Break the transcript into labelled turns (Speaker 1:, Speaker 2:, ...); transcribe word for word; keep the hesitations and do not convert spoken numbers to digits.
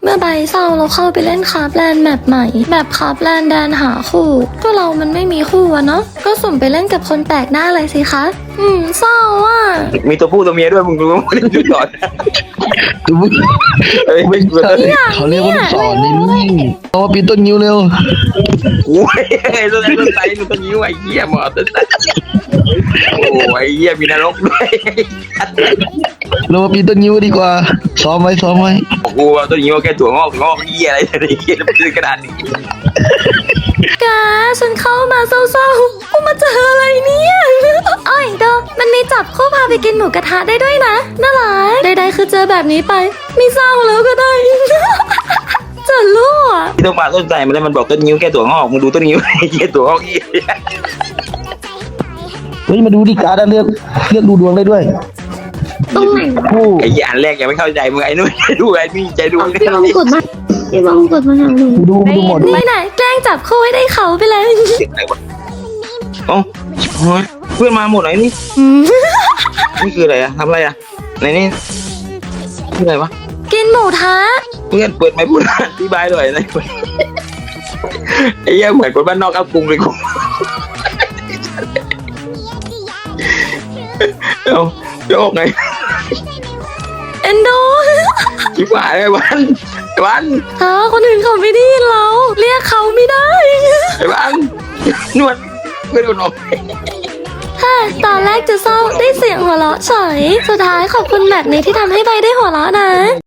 Speaker 1: มื่อใบเศร้าเราเข้าไปเล่นคาร์บแลนด์แมปใหม่แมปคาร์บแลนด์แดนหาคู่ก็เรามันไม่มีคู่อะเนาะก็สุ่มไปเล่นกับคนแปลกหน้าเลยสิคะอืมเศร้าอ่ะ
Speaker 2: มีตัวผู้ตัวเมียด้วยมึงรู้มั้ยดูก่อน
Speaker 3: ดูมึง
Speaker 2: เฮ้ยไม่รู้
Speaker 3: เขาเรียกว่าลูกศรนี่นี่เอามาปีนต้นนิ้วเร็ว
Speaker 2: โอ้ยต้นต้นไทรต้นนิ้วไอ้เหี้ยหมอต้นไทรโอ้ยเหี้ยมีนรกด้วย
Speaker 3: เรามาปีนต้นนิ้วดีกว่าซ้อมไว้ซ้อมไว้
Speaker 2: กูว่าต้นนิ้วแค่ถั่วงอกถั่วงอกเหี้ยอะไรเนี่ยเหี้ยมันคือกระดาษนี้
Speaker 1: แกฉันเข้ามาเศร้าๆกูมาเจออะไรเนี่ยอ้อยเดอมันมีจับคู่พาไปกินหมูกระทะได้ด้วยนะน่ารักใดๆคือเจอแบบนี้ไปไม่เศร้าแล้วก็ได้ เจอลูกอ่ะ
Speaker 2: ที่ต้องมาต้นไทรมันแล้วมันบอกต้นนิ้วแค่ถั่วงอกมึงดูต้นนิ้วไอ้เหี้ยถั่วงอกเหี้ย
Speaker 3: เฮ้ยมาดูดิการ์ดเลือกเลือกดูดวงได้ด้วยผู้
Speaker 2: ไอ้เหี้ยอันแรกยังไม่เข้าใจมึงไอ้นู่นดูไอ้นี่ใจดู
Speaker 4: พี่บอมกดมาพี่บอมกดมาหาหนู
Speaker 3: ดูดูดูหมดดู
Speaker 1: นี่ไหนแกล้งจับคู่ให้ได้เขาไปเลย
Speaker 2: โอ้ยเพื่อนมาหมดไหนนี่
Speaker 1: อืม
Speaker 2: นี่คืออะไรอะทำอะไรอะไหนนี่คืออะไรวะ
Speaker 1: กินหมูทะ
Speaker 2: เพื่อนเปิดไม่พูดอธิบายหน่อยนะไอ้เหี้ยเหมือนคนบ้านนอกเอากรุงเลยกูเอาโยกไง
Speaker 1: เอนโด
Speaker 2: ชิบหายเลยวันวัน
Speaker 1: เออคนอื่นเขาไม่ได้ยินเราเรียกเขาไม่ได้
Speaker 2: ไอ้วันนวดเพื่อนคนออก
Speaker 1: ค่ะตอนแรกจะเศร้าได้เสียงหัวเราะเฉยสุดท้ายขอบคุณแบบนี้ที่ทำให้ใบได้หัวเราะนะ